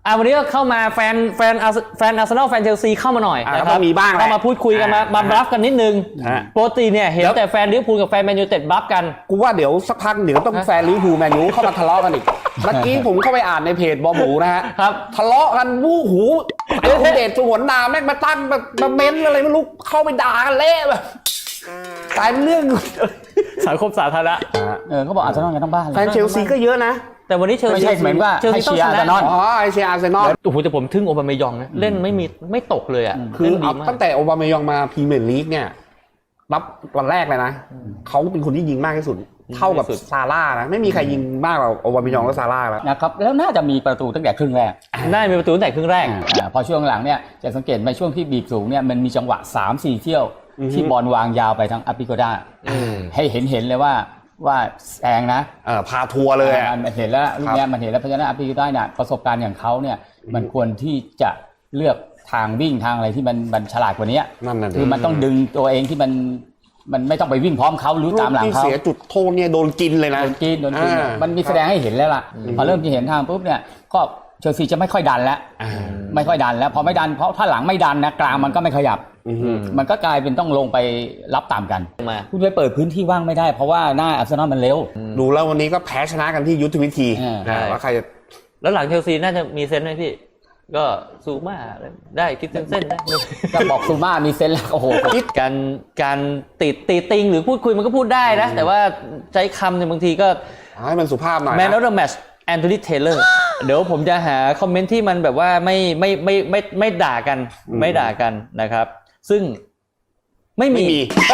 วันนี้ก็เข้ามาแฟนอาร์เซนอลแฟนเชลซีเข้ามาหน่อยนะครับมีบ้างเข้ามาพูดคุยกันมาบลัฟกันนิดนึงปกติเนี่ยเห็นแต่แฟนลิเวอร์พูลกับแฟนแมนยูเต็ดบลัฟกันกูว่าเดี๋ยวสักพักเดี๋ยวต้องแฟนลิเวอร์พูลแมนยูเข้ามาทะเลาะกันอีกเมื่อกี้ผมเข้าไปอ่านในเพจบอหมูนะฮะทะเลาะกันวู้หูเดชสงวนนาแม่งมาตั้งมาเม้นอะไรไม่รู้เข้าไปด่ากันเละแบบกลายเป็นเรื่องสังคมสาธารณะเขาบอกอาร์เซนอลกันทั้งบ้านแฟนเชลซีก็เยอะนะแต่วันนี้เชลซีไม่ใช่เหมือนว่าให้เชียร์อาร์เซนอลให้เชียร์อาร์เซนอลโอ้โหแต่ผมทึ่งโอบามายองนะเล่นไม่ตกเลยอ่ะคือตั้งแต่โอบามายองมาพรีเมียร์ลีกเนี่ยรับวันแรกเลยนะเขาเป็นคนที่ยิงมากที่สุดเท่ากับซาร่านะไม่มีใครยิงมากกว่าโอบามายองและซาร่าแล้วนะครับแล้วน่าจะมีประตูตั้งแต่ครึ่งแรกน่ามีประตูตั้งแต่ครึ่งแรกพอช่วงหลังเนี่ยจะสังเกตในช่วงที่บีบสูงเนี่ยมันมีจังหวะ 3-4 เที่ยวที่บอลวางยาวไปทางอาปิโกด้าให้เห็นเลยว่าแซงนะพาทัวร์เลยมันเห็นแล้วลูกนี้มันเห็นแล้วเพราะฉะนั้นอาปิโกด้าเนี่ยประสบการณ์อย่างเขาเนี่ยมันควรที่จะเลือกทางวิ่งทางอะไรที่มันฉลาดกว่านี้คือมันต้องดึงตัวเองที่มันไม่ต้องไปวิ่งพร้อมเขาหรือตามหลังเขาที่เสียจุดโทษเนี่ยโดนกินเลยนะโดนกินมันมีแสดงให้เห็นแล้วล่ะพอเริ่มจะเห็นทางปุ๊บเนี่ยก็เชลซีจะไม่ค่อยดันแล้วไม่ค่อยดันแล้วพอไม่ดันเพราะถ้าหลังไม่ดันนะกลางมันก็ไม่ขยับมันก็กลายเป็นต้องลงไปรับตามกันคุณไปเปิดพื้นที่ว่างไม่ได้เพราะว่าหน้าอาร์เซนอลมันเร็วดูแล้ววันนี้ก็แพ้ชนะกันที่ยุทธวิธีว่าใครแล้วหลังเชลซีน่าจะมีเซนส์ไหมพี่ก็ซูม่าได้คิดเส้นได้จะบอกซูม่ามีเซนส์แล้วโอ้โหการตีติงหรือพูดคุยมันก็พูดได้นะแต่ว่าใช้คำเนี่ยบางทีก็ให้มันสุภาพหน่อย Man of the Match แอนโทนี เทย์เลอร์เดี๋ยวผมจะหาคอมเมนต์ที่มันแบบว่าไม่ด่ากันไม่ด่ากันนะครับซึ่งไม่มี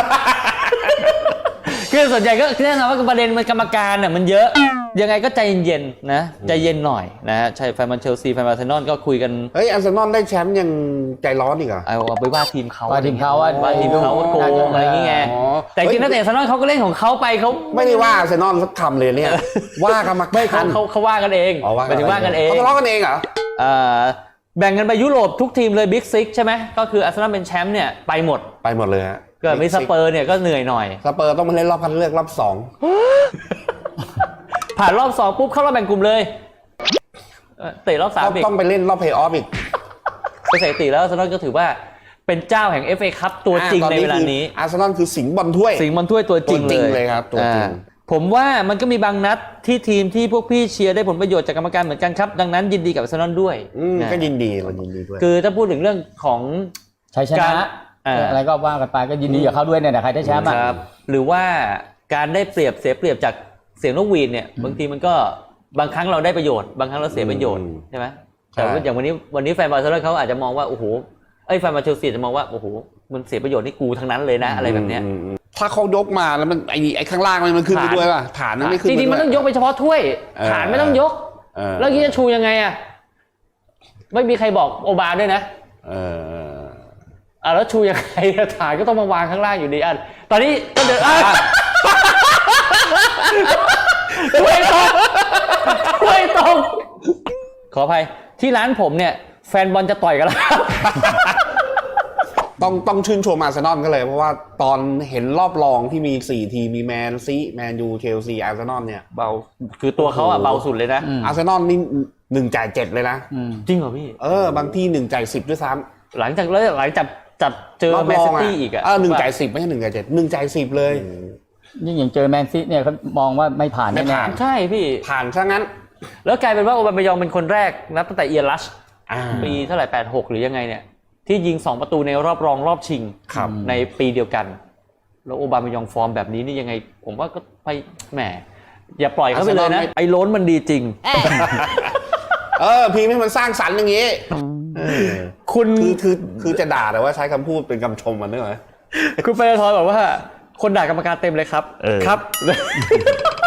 คือส่วนใหญ่ก็แน่นอนว่าประเด็นมันกรรมการน่ะมันเยอะยังไงก็ใจเย็นๆนะใจเย็นหน่อยนะฮะใช่แฟนมันเชลซีแฟนอาร์เซนอลก็คุยกันอาร์เซนอลได้แชมป์ยังใจร้อนอีกเหรอเอาไปว่าทีมเขาว่าทีมเขาโกงอะไรอย่างเงี้ยแต่จริงๆนักเตะอาร์เซนอลเขาก็เล่นของเขาไปเขาไม่ได้ว่าอาร์เซนอลสักคำเลยเนี่ยว่ากรรมการเขาว่ากันเองหมายถึงว่ากันเองเขาทะเลาะกันเองเหรอแบ่งกันไปยุโรปทุกทีมเลยบิ๊กซิกใช่ไหมก็คืออาร์เซนอลเป็นแชมป์เนี่ยไปหมดเลยฮะเกิดมีสเปอร์เนี่ยก็เหนื่อยหน่อยสเปอร์ต้องมาเล่นรอบคัดเลือกรอบ 2ผ่านรอบ2ปุ๊บเข้ารอบแบ่งกลุ่มเลยเตะรอบ3อีกต้องไปเล่นรอบเพลย์ออฟอีกสถิติแล้วอาร์เซนอลก็ถือว่าเป็นเจ้าแห่ง FA คัพตัวจริงในเวลานี้อาร์เซนอลคือสิงห์บอลถ้วยตัวจริงเลยครับตัวจริงผมว่ามันก็มีบางนัดที่ทีมที่พวกพี่เชียร์ได้ผลประโยชน์จากกรรมการเหมือนกันครับดังนั้นยินดีกับอาร์เซนอลด้วยก็ยินดีเรายินดีด้วยคือถ้าพูดถึงเรื่องของชัยชนะอะไรก็ว่ากันไปก็ยินดีกับเขาด้วยเนี่ยใครได้แชมป์ครับหรือว่าการได้เปรียบเสียเปรียบจากเสียงนกหวีดเนี่ยบางทีมันก็บางครั้งเราได้ประโยชน์บางครั้งเราเสียประโยชน์ใช่ไหมแต่อย่างวันนี้แฟนบาร์เซโลนาเขาอาจจะมองว่าโอ้โหแฟนบาร์เชลซีจะมองว่าโอ้โหมันเสียประโยชน์นี่กูทั้งนั้นเลยนะอะไรแบบเนี้ยถ้าเขายกมาแล้วมันไอ้ข้างล่างมันขึ้นไปด้วยป่ะฐานมันไม่ขึ้นจริงๆมันต้องยกไปเฉพาะถ้วยฐานไม่ต้องยกแล้วนี่จะชูยังไงอ่ะไม่มีใครบอกโอบาด้วยนะแล้วชูยังไงฐานก็ต้องมาวางข้างล่างอยู่ดีตอนนี้ก็เดินถ้วยตกขออภัยที่ร้านผมเนี่ยแฟนบอลจะต่อยกันแล้วต้องชื่นชมอาร์เซนอลก็เลยเพราะว่าตอนเห็นรอบรองที่มี4ทีมมีแมนยูเชลซีอาร์เซนอลเนี่ยเบาคือตัวเขาเบาสุดเลยนะอาร์เซนอลนี่1จ่าย7เลยนะจริงเหรอพี่บางที่1จ่าย10ด้วยซ้ำหลังจากจับเจอแมนซิตี้อีก 1จ่าย10ไม่ใช่1จ่าย7 1จ่าย10เลยนี่อย่างเจอแมนซิตี้เนี่ยเขามองว่าไม่ผ่านแน่ใช่พี่ผ่านซะงั้นแล้วกลายเป็นว่าโอบามายองเป็นคนแรกนับตั้งแต่เอียรัชปีเท่าไหร่86หรือยังไงเนี่ยที่ยิง2ประตูในรอบรองรอบชิงในปีเดียวกันแล้วโอบามายองฟอร์มแบบนี้นี่ยังไงผมว่าก็ไปแหมอย่าปล่อยเขาไปเลยนะไอ้โล้นมันดีจริงพีไม่มันสร้างสรรค์อย่างงี้คุณคือจะด่าแต่ว่าใช้คำพูดเป็นคำชมมันด้วยเหรอคุณเปรทอยบอกว่าคนด่ากรรมการเต็มเลยครับครับ